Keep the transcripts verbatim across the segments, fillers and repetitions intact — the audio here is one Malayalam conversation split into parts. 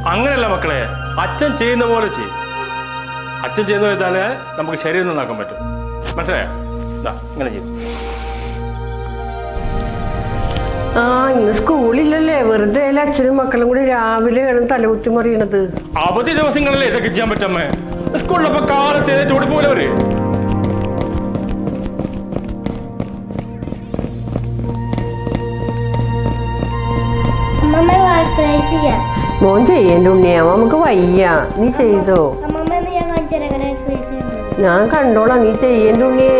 അങ്ങനെയല്ല മക്കളെ, അച്ഛൻ ചെയ്യുന്ന പോലെ ചെയ്യും. അച്ഛൻ ചെയ്യുന്ന ചെയ്താലേ നമുക്ക് ശരീരം നന്നാക്കാൻ പറ്റും. മനസ്സിലായോ? ഇങ്ങനെ ചെയ്യും. ആ ഇന്ന് സ്കൂളില്ലല്ലേ, വെറുതെ അച്ഛനും മക്കളും കൂടി രാവിലെയാണ് തലകുത്തി മറിയണത്. അവധി ദിവസങ്ങളിലേ ഇതൊക്കെ ചെയ്യാൻ പറ്റമ്മേ. സ്കൂളിലപ്പോ കാലത്ത് ഓടി പോലെ അവര്. മോൻ ചെയ്യേണ്ട ഉണ്ണിയാ, നമുക്ക് വയ്യ. നീ ചെയ്തോ? ഞാൻ കണ്ടോളാം, നീ ചെയ്യേണ്ട ഉണ്ണിയേ.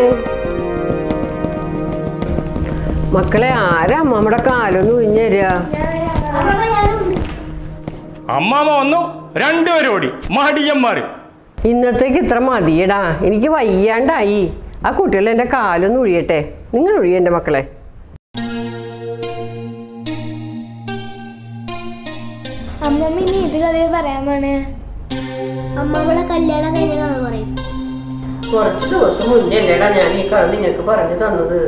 മക്കളെ, ആരാ അമ്മമ്മയുടെ കാലൊന്ന് ഉഴിഞ്ഞുതരിക? അമ്മാമ്മ വന്നു, രണ്ടുപേരും ഓടി. മടിയന്മാര്. ഇന്നത്തേക്ക് ഇത്ര മതിയടാ, എനിക്ക് വയ്യാണ്ടായി. ആ കുട്ടികൾ എൻ്റെ കാലൊന്ന് ഒഴിയട്ടെ. നിങ്ങൾ ഒഴിയ എൻ്റെ മക്കളെ. അമ്മമ്മ ഇനി ഇത് കഥയെ പറയാമാണ്. അമ്മമ്മയുടെ കല്യാണം കഴിഞ്ഞ കഥ പറയും. കുറച്ച് ദിവസം മുന്നേ അല്ലേടാ ഞാൻ ഈ കഥ നിങ്ങൾക്ക് പറഞ്ഞു തന്നത്.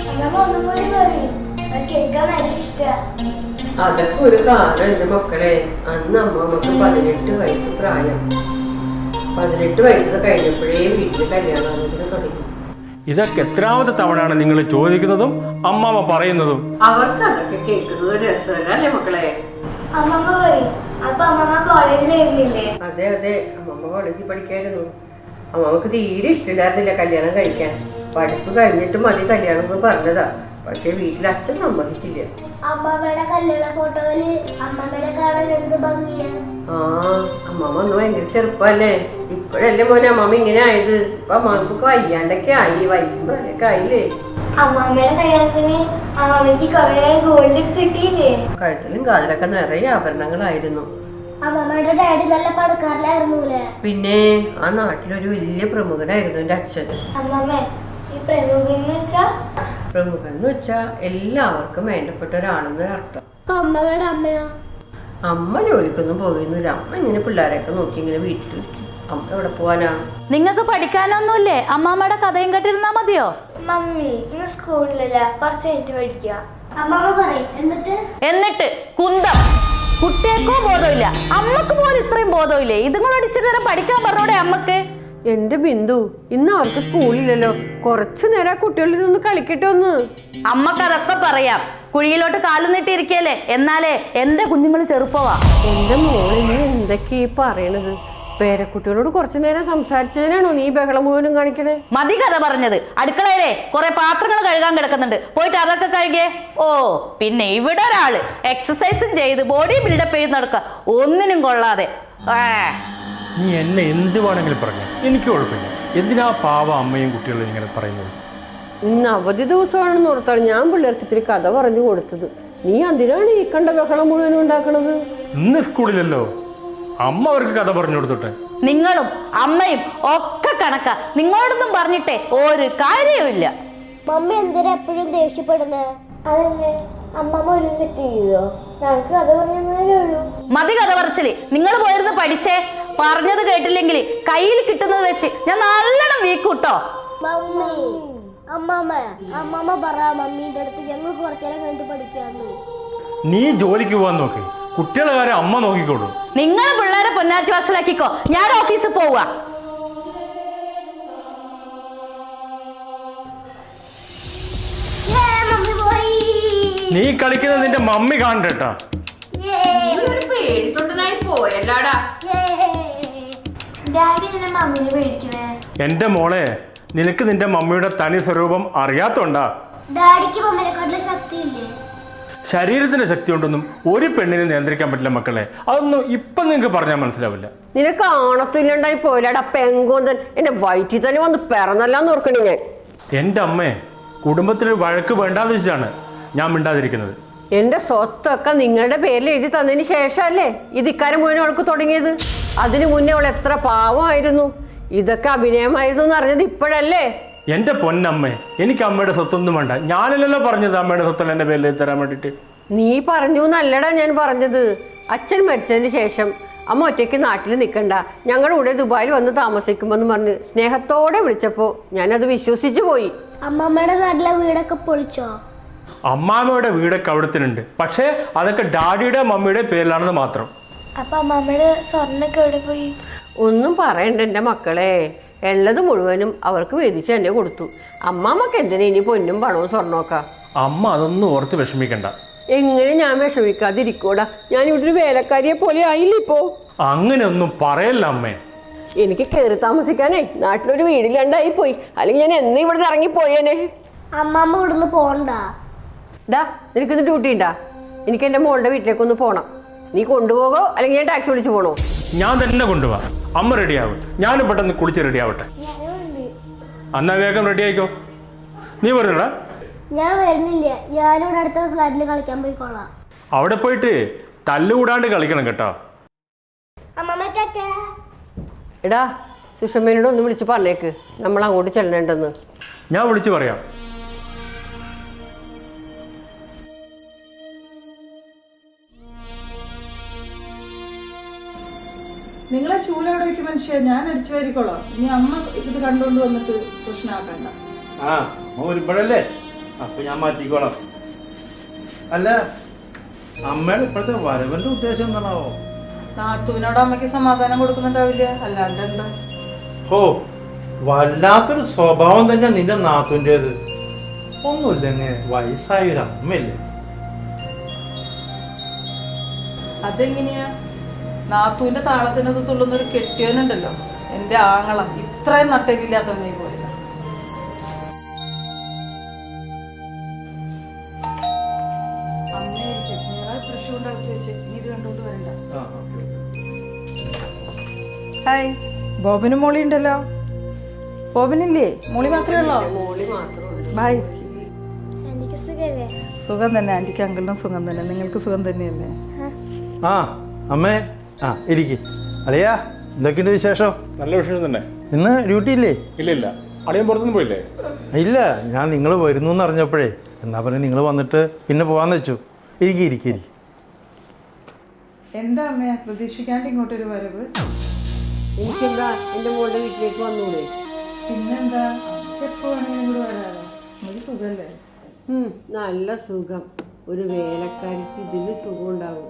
അതൊക്കെ ഒരു കാലമുണ്ട് മക്കളെ. അന്ന് അമ്മമ്മക്ക് പതിനെട്ട് വയസ്സ് പ്രായം. പതിനെട്ട് വയസ്സ് കഴിഞ്ഞപ്പോഴേ വീട്ടിൽ കല്യാണാലോചന തുടങ്ങി. ഇതൊക്കെ എത്രാമത്തെ തവണയാണ് നിങ്ങൾ ചോദിക്കുന്നതും അമ്മാമ്മ പറയുന്നതും? അവർക്ക് അതൊക്കെ കേൾക്കുന്നത് രസമല്ലേ മക്കളെ? അമ്മമ്മ പറയും. അപ്പൊ അമ്മമ്മ കോളേജിലായിരുന്നില്ലേ? അതെ അതെ, അമ്മമ്മ കോളേജിൽ പഠിക്കായിരുന്നു. അമ്മമ്മക്ക് തീരെ ഇഷ്ടമില്ലായിരുന്നില്ല കല്യാണം കഴിക്കാൻ. പഠിപ്പ് കഴിഞ്ഞിട്ട് മതി കല്യാണം എന്ന് പറഞ്ഞതാ. പക്ഷെ വീട്ടിൽ അച്ഛൻ സമ്മതിച്ചില്ല. അമ്മമ്മയുടെ കല്യാണ ഫോട്ടോയില് അമ്മമ്മനെ കാണാൻ എന്ത് ഭംഗിയാ. ആ അമ്മമ്മ ഒന്ന് ഭയങ്കര ചെറുപ്പല്ലേ. ഇപ്പോഴല്ലേ മോനെ അമ്മമ്മ ഇങ്ങനെ ആയത്. ഇപ്പൊ അമ്മമ്മക്ക് വയ്യാണ്ടൊക്കെ ആയി, വയസ്സും പ്രായമൊക്കെ ആയില്ലേ. അമ്മമ്മയുടെ കല്യാണത്തിന് അമ്മമ്മക്ക് കൊറേ ഗോൾഡ് കിട്ടിയില്ലേ? കഴുത്തിലും കാതിലൊക്കെ നിറയെ ആഭരണങ്ങളായിരുന്നു. അമ്മമ്മയുടെ ഡാഡി നല്ല പണക്കാരനായിരുന്നൂലേ? പിന്നെ ആ നാട്ടിലൊരു വലിയ പ്രമുഖനായിരുന്നു എന്റെ അച്ഛൻ. അമ്മമ്മ ഈ പ്രമുഖൻ വെച്ചാ പ്രമുഖൻ എന്ന് വെച്ചാ എല്ലാവർക്കും വേണ്ടപ്പെട്ട ഒരാളെന്ന് അർത്ഥം. അമ്മമ്മയുടെ അമ്മയോ? അമ്മ ജോലിക്കൊന്നും പോയിരുന്നില്ല. അമ്മ ഇങ്ങനെ പിള്ളേരെയൊക്കെ നോക്കി ഇങ്ങനെ വീട്ടിലിരിക്കും. അമ്മ എവിടെ പോവാനാ? നിങ്ങൾക്ക് പഠിക്കാനൊന്നുമില്ലേ? അമ്മാമ്മയുടെ കഥയും കേട്ടിരുന്നാ മതിയോ? മമ്മി ഇന്ന് സ്കൂളിലല്ല, കുറച്ച് കഴിഞ്ഞിട്ട് പഠിക്കുക. അമ്മമ്മ പറയും. എന്നിട്ട് എന്നിട്ട് കുന്തം. കുട്ടിയേക്കോ ബോധമില്ല, അമ്മക്ക് പോലും ഇത്രയും ബോധമില്ലേ? ഇതും കൂടെ അടിച്ചിട്ട് നേരം പഠിക്കാൻ പറഞ്ഞോടെ അമ്മക്ക്. എന്റെ ബിന്ദു, ഇന്ന് അവർക്ക് സ്കൂളില്ലല്ലോ, കുറച്ചു നേരം കുട്ടികളിൽ നിന്ന് കളിക്കട്ടെ ഒന്ന്. അമ്മക്ക് അതൊക്കെ പറയാം. കുഴിയിലോട്ട് കാലു നീട്ടിയിരിക്കല്ലേ. എന്നാലേ എന്റെ കുഞ്ഞുങ്ങൾ ചെറുപ്പവാ. എന്റെ മോളെ, നീ എന്തൊക്കെ ഈ പറയണത്? പേരക്കുട്ടികളോട് കുറച്ചു നേരം സംസാരിച്ചതിനാണോ നീ ബഹളം മുഴുവനും കാണിക്കണേ? മതി കഥ പറഞ്ഞത്. അടുക്കളയിലെ കുറെ പാത്രങ്ങൾ കഴുകാൻ കിടക്കുന്നുണ്ട്, പോയിട്ട് അതൊക്കെ കഴുകിയേ. ഓ പിന്നെ ഇവിടെ ഒരാള് എക്സസൈസും ചെയ്ത് ബോഡി ബിൽഡപ്പ് ചെയ്ത് നടക്കുക, ഒന്നിനും കൊള്ളാതെ. നീ എന്നെ എന്ത് വേണമെങ്കിലും പറഞ്ഞു, എനിക്ക് കുഴപ്പമില്ല. എന്തിനാ പാവ അമ്മയും കുട്ടികളും ഇങ്ങനെ പറയുന്നത്? ഇന്ന് അവധി ദിവസമാണെന്ന് ഓർത്താണ് ഞാൻ പിള്ളേർക്ക് ഇത്തിരി കഥ പറഞ്ഞു കൊടുത്തത്. നീ അതിനാണ് ഈ കണ്ട ബഹളം മുഴുവനും ഉണ്ടാക്കണത്. ഇന്ന് സ്കൂളിലല്ലോ, അമ്മ അവർക്ക് കഥ പറഞ്ഞു കൊടുത്തോട്ടെ. നിങ്ങളും അമ്മയും ഒക്കെ കണക്കാ. നിങ്ങളോടൊന്നും പറഞ്ഞിട്ടേ ഒരു കാര്യവുമില്ല. മമ്മി എന്തിനാ എപ്പോഴും ദേഷ്യപ്പെടുന്നേ? അതല്ലേ അമ്മമ്മ ഒരു തെറ്റിയോ? ഞങ്ങൾക്ക് കഥ പറഞ്ഞേ ഉള്ളൂ. മതി കഥ പറച്ചില്. നിങ്ങൾ പോയിരുന്ന് പഠിച്ചേ. പറഞ്ഞത് കേട്ടില്ലെങ്കിൽ കയ്യിൽ കിട്ടുന്നത് വെച്ച് ഞാൻ നല്ലോണം വീക്കൂട്ടോ. മമ്മി അമ്മമ്മ അമ്മമ്മ പറ മമ്മീന്റെ അടുത്ത് ഞങ്ങൾ കുറച്ചേരം കഴിഞ്ഞിട്ട് പഠിക്കാന്ന്. നീ ജോലിക്ക് പോവാൻ നോക്ക്, കുട്ടികളെ കാര്യം അമ്മ നോക്കിക്കോളൂ. നിങ്ങൾ പിള്ളേരെ പൊന്നാച്ചി വശലാക്കിക്കോ, ഞാൻ ഓഫീസിൽ പോവുക. നീ കളിക്കുന്നത് നിന്റെ മമ്മി കാണണ്ടേട്ടാ. എന്റെ മോളെ, നിനക്ക് നിന്റെ മമ്മിയുടെ തനി സ്വരൂപം അറിയാത്തോണ്ടാ. ശരീരത്തിന്റെ ശക്തി കൊണ്ടൊന്നും ഒരു പെണ്ണിനെ നിയന്ത്രിക്കാൻ പറ്റില്ല മക്കളെ. അതൊന്നും ഇപ്പൊ നിങ്ങൾക്ക് പറഞ്ഞാൽ മനസ്സിലാവില്ല. നിനക്ക് ആണത്തില്ലാണ്ടായി പോയില്ലാടാ പെങ്കോന്തൻ. എന്റെ വയറ്റിൽ തന്നെ വന്ന് പിറന്നല്ലാന്ന് ഓർക്കണേ ഞാൻ. എന്റെ അമ്മേ, കുടുംബത്തിന് വഴക്ക് വേണ്ടാന്ന് വെച്ചാണ് ഞാൻ മിണ്ടാതിരിക്കുന്നത്. എന്റെ സ്വത്തൊക്കെ നിങ്ങളുടെ പേരിൽ എഴുതി തന്നതിന് ശേഷമല്ലേ ഇത് ഇക്കാര്യം മുന്നേ അവൾക്ക് തുടങ്ങിയത്. അതിനു മുന്നേ അവൾ എത്ര പാവമായിരുന്നു. ഇതൊക്കെ അഭിനയമായിരുന്നു എന്ന് അറിഞ്ഞത് ഇപ്പോഴല്ലേ? എന്റെ പൊന്നമ്മേ, എനിക്ക് അമ്മയുടെ സ്വത്തൊന്നും വേണ്ട. ഞാനല്ലല്ലോ പറഞ്ഞത് അമ്മയുടെ സ്വത്തല്ല എന്റെ പേരിൽ എഴുതി തരാൻ വേണ്ടിട്ട്. നീ പറഞ്ഞു എന്നല്ലടാ ഞാൻ പറഞ്ഞത്. അച്ഛൻ മരിച്ചതിന് ശേഷം അമ്മ ഒറ്റയ്ക്ക് നാട്ടിൽ നിൽക്കണ്ട, ഞങ്ങളുടെ കൂടെ ദുബായിൽ വന്ന് താമസിക്കുമെന്ന് പറഞ്ഞ് സ്നേഹത്തോടെ വിളിച്ചപ്പോ ഞാനത് വിശ്വസിച്ചു പോയി. അമ്മമ്മയുടെ നാട്ടിലെ വീടൊക്കെ പൊളിച്ചോ? അമ്മാമ്മയുടെ വീടൊക്കെ അവിടത്തിനുണ്ട്, പക്ഷേ അതൊക്കെ ഡാഡിയുടെ മമ്മിയുടെ പേരിലാണെന്ന് മാത്രം. അപ്പൊ അമ്മമ്മയുടെ സ്വർണ്ണൊക്കെ എവിടെ പോയി? ഒന്നും പറയണ്ട എൻ്റെ മക്കളെ, ഉള്ളത് മുഴുവനും അവർക്ക് വീതിച്ച് തന്നെ കൊടുത്തു. അമ്മാമ്മക്ക് എന്തിനാ ഇനി പൊന്നും പണവും സ്വർണ്ണമൊക്കെ? അമ്മ അതൊന്നും ഓർത്ത് വിഷമിക്കണ്ട. എങ്ങനെ ഞാൻ വിഷമിക്കാതിരിക്കൂടാ? ഞാൻ ഇവിടെ ഒരു വേലക്കാരിയെ പോലെ ആയില്ല ഇപ്പോ. അങ്ങനെ ഒന്നും പറയല്ല അമ്മേ. എനിക്ക് കയറി താമസിക്കാനേ നാട്ടിലൊരു വീടില്ലാണ്ടായി പോയി, അല്ലെങ്കിൽ ഞാൻ എന്ന് ഇവിടെ നിന്ന് ഇറങ്ങിപ്പോയേനെ. അമ്മമ്മ ഇവിടുന്ന് പോണ്ട. ഡാ, നിനക്കിന്ന് ഡ്യൂട്ടി ഉണ്ടാ? എനിക്ക് എൻ്റെ മോളുടെ വീട്ടിലേക്കൊന്ന് പോണം. നീ കൊണ്ടുപോകോ അല്ലെങ്കിൽ ഞാൻ ടാക്സി വിളിച്ച് പോണോ? ഞാൻ തന്നെ കൊണ്ടുപോവാ. അമ്മ റെഡിയാവും, ഞാനും പെട്ടെന്ന് കുളിച്ച് റെഡി ആവട്ടെ. എന്നാ വേഗം റെഡി ആയിക്കോ. നീ പറഞ്ഞടാ. ഞാൻ വരുന്നില്ല, ഞാനിവിടെ അടുത്ത ഫ്ലാറ്റിൽ കളിക്കാൻ പോയിക്കോളാം. അവിടെ പോയിട്ട് തല്ലുകൂടാണ്ട് കളിക്കണം കേട്ടോ. അമ്മമ്മ ടാറ്റാ. എടാ, സുഷമ്മേനോട് ഒന്ന് വിളിച്ച് പറഞ്ഞേക്ക് നമ്മൾ അങ്ങോട്ട് ചെല്ലണ്ടെന്ന്. ഞാൻ വിളിച്ചു പറയാം. നിങ്ങളെ ചൂലോടെ വയ്ക്കും മനുഷ്യ, ഞാൻ അടിച്ചു വരിക്കോളാം. ഇനി അമ്മ ഇത് കണ്ടുകൊണ്ട് വന്നിട്ട് പ്രശ്നമാക്കണ്ട. ആ അമ്മ വരുമ്പോഴല്ലേ, അപ്പൊ ഞാൻ മാറ്റിക്കോളാം. അല്ല, അമ്മയുടെ ഇപ്പോഴത്തെ വരവന്റെ ഉദ്ദേശം എന്താണാവോ? നാത്തൂനോട് അമ്മയ്ക്ക് സമാധാനം കൊടുക്കുന്നുണ്ടാവില്ല, അല്ലാണ്ട് എന്താ? ഓ, വല്ലാത്തൊരു സ്വഭാവം തന്നെ നിന്റെ നാത്തൂൻ്റെത്. ഒന്നുമില്ലെങ്കിൽ വയസ്സായൊരു അമ്മയല്ലേ. അതെങ്ങനെയാ? നാത്തൂന്റെ താളത്തിനത് തുള്ളുന്നൊരു കെട്ടിയവനുണ്ടല്ലോ, എന്റെ ആങ്ങള. ഇത്രയും നട്ടലില്ലാത്തവനെ പോലെ. ഹായ്, ബോബനും മോളി ഉണ്ടല്ലോ. ബോബനില്ലേ? മോളി മാത്രമേ ഉള്ളോ? ബായ്. എനിക്ക് സുഖല്ലേ? സുഖം തന്നെ ആന്റിക്ക്, അങ്കിളിനും സുഖം തന്നെ. നിങ്ങൾക്ക് സുഖം തന്നെയല്ലേ? ആ അമ്മേ, ആ ഇരിക്കും. അളിയാ, എന്തൊക്കെയുണ്ട് വിശേഷം? നല്ല വിശേഷം തന്നെ. ഇന്ന് ഡ്യൂട്ടി ഇല്ലേ? ഇല്ല ഇല്ല, അളിയൻ പുറത്തുനിന്ന് പോയില്ലേ? ഇല്ല, ഞാൻ നിങ്ങൾ വരുന്നു എന്ന് അറിഞ്ഞപ്പോഴേ എന്നാ പറഞ്ഞ് നിങ്ങൾ വന്നിട്ട് പിന്നെ പോകാന്ന് വെച്ചു. ഇരിക്കി ഇരിക്കി ഇരിക്കും. എന്താ അമ്മ പ്രതീക്ഷിക്കാണ്ട് ഇങ്ങോട്ടൊരു വരവ്? എനിക്കെന്താ എൻ്റെ മോളുടെ വീട്ടിലേക്ക് വന്നൂടെ? പിന്നെന്താ, എപ്പോ വേണമെങ്കിലും കൂടെ വരാമോ? നമുക്ക് സുഖല്ലേ? ഉം, നല്ല സുഖം. ഒരു വേലക്കാരിക്ക് ഇതിൽ സുഖം ഉണ്ടാവും.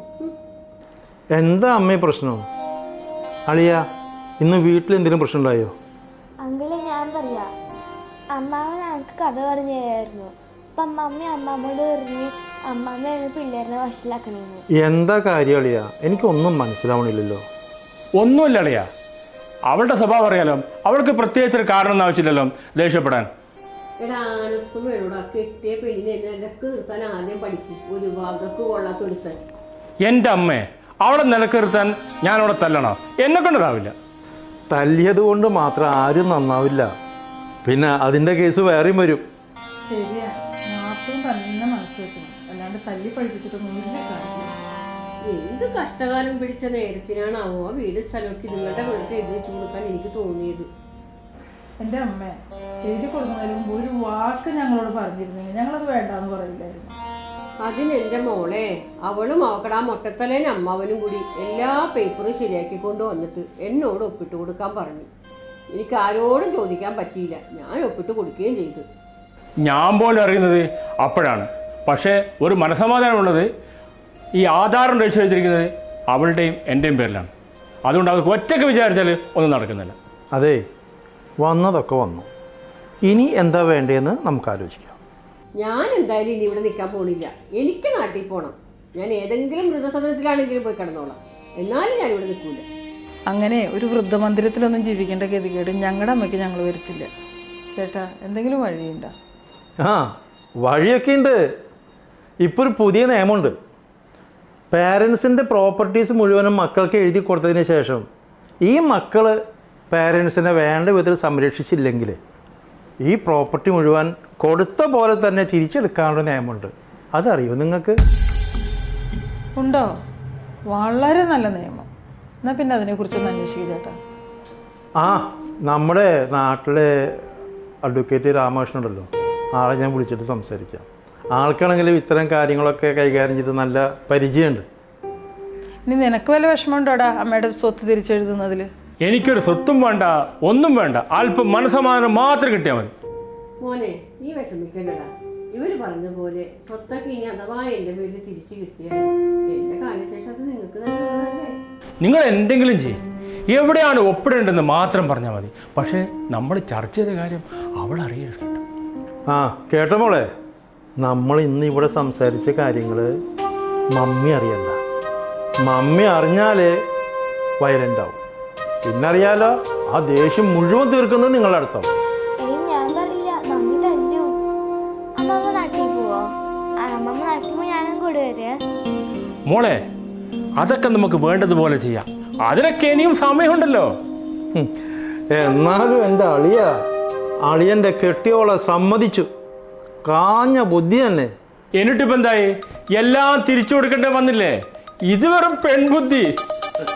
എന്താ അമ്മേ പ്രശ്നം? അളിയ, ഇന്ന് വീട്ടിൽ എന്തെങ്കിലും പ്രശ്നം ഉണ്ടായോ? അങ്കിള്, ഞാൻ പറയാ, അമ്മാമ്മ ഞങ്ങൾക്ക് കഥ പറഞ്ഞു തരായിരുന്നു. അപ്പൊ അമ്മമ്മ അമ്മാമ്മയോട് പറഞ്ഞ് അമ്മാമ്മയാണ് പിള്ളേരെ വഷളാക്കണേന്ന്. എന്താ കാര്യം അളിയ? എനിക്കൊന്നും മനസ്സിലാവണില്ലല്ലോ. ഒന്നുമില്ല അളിയ, അവളുടെ സ്വഭാവം അറിയാലോ. അവൾക്ക് പ്രത്യേകിച്ചൊരു കാരണം ആവശ്യമില്ലല്ലോ ദേഷ്യപ്പെടാൻ. എടാ, ആനത്തും വേണോടാ, കെട്ടിയ പെണ്ണിനെ നിലക്ക് നിർത്താൻ ആദ്യം പഠിക്കും. ഒരു വകക്ക് കൊള്ളാത്ത ഒരുത്താൻ. എൻ്റെ അമ്മേ, അവളെ നിലക്കിരുത്താൻ ഞാൻ അവിടെ തല്ലണോ? എന്നെ കൊണ്ടതാവില്ല. തല്ലിയത് കൊണ്ട് മാത്രം ആരും നന്നാവില്ല. പിന്നെ അതിൻ്റെ കേസ് വേറെയും വരും. ശരിയാ, നാട്ടും തന്നെ മനസ്സിലാക്കണം, അല്ലാണ്ട് തല്ലി പഠിപ്പിച്ചിട്ടൊന്നും ഇല്ല കാര്യം. എന്ത് കഷ്ടകാലം പിടിച്ച നേരത്തിനാണാവോ ആ വീട് സ്ഥലമൊക്കെ നിങ്ങളുടെ വീട്ടിൽ എഴുതി വെച്ച് കൊടുക്കാൻ എനിക്ക് തോന്നിയത്. എൻ്റെ അമ്മ എഴുതി കൊടുക്കുന്നതിന് മുമ്പ് ഒരു വാക്ക് ഞങ്ങളോട് പറഞ്ഞിരുന്നെങ്കിൽ ഞങ്ങളത് വേണ്ടാന്ന് പറയില്ലായിരുന്നു. അതിനെന്റെ മോളെ, അവളും അവക്കടാ മൊട്ടത്തലേനും അമ്മാവനും കൂടി എല്ലാ പേപ്പറും ശരിയാക്കി കൊണ്ട് വന്നിട്ട് എന്നോട് ഒപ്പിട്ട് കൊടുക്കാൻ പറഞ്ഞു. എനിക്ക് ആരോടും ചോദിക്കാൻ പറ്റിയില്ല, ഞാൻ ഒപ്പിട്ട് കൊടുക്കുകയും ചെയ്തു. ഞാൻ പോലും അറിയുന്നത് അപ്പോഴാണ്. പക്ഷേ ഒരു മനസമാധാനമുള്ളത്, ഈ ആധാരം രജിസ്റ്റർ ചെയ്തിരിക്കുന്നത് അവളുടെയും എൻ്റെയും പേരിലാണ്. അതുകൊണ്ട് അവർക്ക് ഒറ്റയ്ക്ക് വിചാരിച്ചാൽ ഒന്നും നടക്കുന്നില്ല. അതെ, വന്നതൊക്കെ വന്നു. ഇനി എന്താ വേണ്ടതെന്ന് നമുക്ക് ആലോചിക്കാം. ഞാൻ എന്തായാലും ഇനി ഇവിടെ നിൽക്കാൻ പോണില്ല. എനിക്ക് നാട്ടിൽ പോകണം. ഞാൻ ഏതെങ്കിലും വൃദ്ധസദനത്തിലാണെങ്കിലും പോയി കിടന്നോളാം. എന്നാലും ഞാൻ ഇവിടെ നിൽക്കൂല. അങ്ങനെ ഒരു വൃദ്ധമന്ദിരത്തിലൊന്നും ജീവിക്കേണ്ട ഗതികേട് ഞങ്ങളുടെ അമ്മയ്ക്ക് ഞങ്ങൾ വരുത്തില്ല. ചേട്ടാ, എന്തെങ്കിലും വഴിയുണ്ടോ? ആ, വഴിയൊക്കെ ഉണ്ട്. ഇപ്പോൾ ഒരു പുതിയ നിയമമുണ്ട്. പാരൻസിൻ്റെ പ്രോപ്പർട്ടീസ് മുഴുവനും മക്കൾക്ക് എഴുതി കൊടുത്തതിന് ശേഷം ഈ മക്കൾ പാരൻസിനെ വേണ്ട വിധത്തിൽ സംരക്ഷിച്ചില്ലെങ്കിൽ ഈ പ്രോപ്പർട്ടി മുഴുവൻ കൊടുത്ത പോലെ തന്നെ തിരിച്ചെടുക്കാനുള്ള നിയമമുണ്ട്. അതറിയോ നിങ്ങൾക്ക്? ഉണ്ടോ? വളരെ നല്ല നിയമം. എന്നാൽ പിന്നെ അതിനെക്കുറിച്ചൊന്ന് അന്വേഷിക്കുക ചേട്ടാ. ആ, നമ്മുടെ നാട്ടിലെ അഡ്വക്കേറ്റ് രാമകൃഷ്ണൻ ഉണ്ടല്ലോ, ആളെ ഞാൻ വിളിച്ചിട്ട് സംസാരിക്കാം. ആൾക്കാണെങ്കിലും ഇത്തരം കാര്യങ്ങളൊക്കെ കൈകാര്യം ചെയ്ത് നല്ല പരിചയമുണ്ട്. ഇനി നിനക്ക് വല്ല വിഷമമുണ്ടോടാ അമ്മയുടെ സ്വത്ത് തിരിച്ചെഴുതുന്നതിൽ? എനിക്കൊരു സ്വത്തും വേണ്ട, ഒന്നും വേണ്ട. അല്പം മനസ്സമാധാനം മാത്രം കിട്ടിയാൽ മതി. മോനെ, നീ വിഷമിക്കണ്ടടാ. ഇവര് പറഞ്ഞ പോലെ സ്വത്തൊക്കെ ഇനി അഥവാ എൻ്റെ പേരിൽ തിരിച്ചു കിട്ടിയാൽ എൻ്റെ കാലശേഷം അത് നിങ്ങൾക്ക് നല്ലതല്ലേ? നിങ്ങൾ എന്തെങ്കിലും ചെയ്യും, എവിടെയാണ് ഒപ്പിടേണ്ടതെന്ന് മാത്രം പറഞ്ഞാൽ മതി. പക്ഷേ നമ്മൾ ചർച്ച ചെയ്ത കാര്യം അവൾ അറിയരുത് കേട്ടോ. ആ കേട്ടോ മോളെ, നമ്മൾ ഇന്ന് ഇവിടെ സംസാരിച്ച കാര്യങ്ങൾ മമ്മി അറിയണ്ട. മമ്മി അറിഞ്ഞാൽ വയലൻ്റ് ആവും. പിന്നറിയാലോ, ആ ദേഷ്യം മുഴുവൻ തീർക്കുന്നത് നിങ്ങളുടെ അടുത്താവും. ഏയ് ഞാൻ പറയില്ല, മമ്മി തല്ലു. അമ്മമ്മ നാട്ടിൽ പോവോ? അമ്മമ്മ നാട്ടിൽ പോയി ഞാനും കൂടെ വരിക. മോളെ, അതൊക്കെ നമുക്ക് വേണ്ടതുപോലെ ചെയ്യാം. അതിനൊക്കെ ഇനിയും സമയമുണ്ടല്ലോ. ഉം. എന്നാലും എൻ്റെ അളിയ അളിയൻ്റെ കെട്ടിയോളെ സമ്മതിച്ചു. കാഞ്ഞ ബുദ്ധി തന്നെ. എന്നിട്ടിപ്പോൾ എന്തായി? എല്ലാം തിരിച്ചു കൊടുക്കേണ്ടി വന്നില്ലേ? ഇത് വെറും പെൺബുദ്ധി.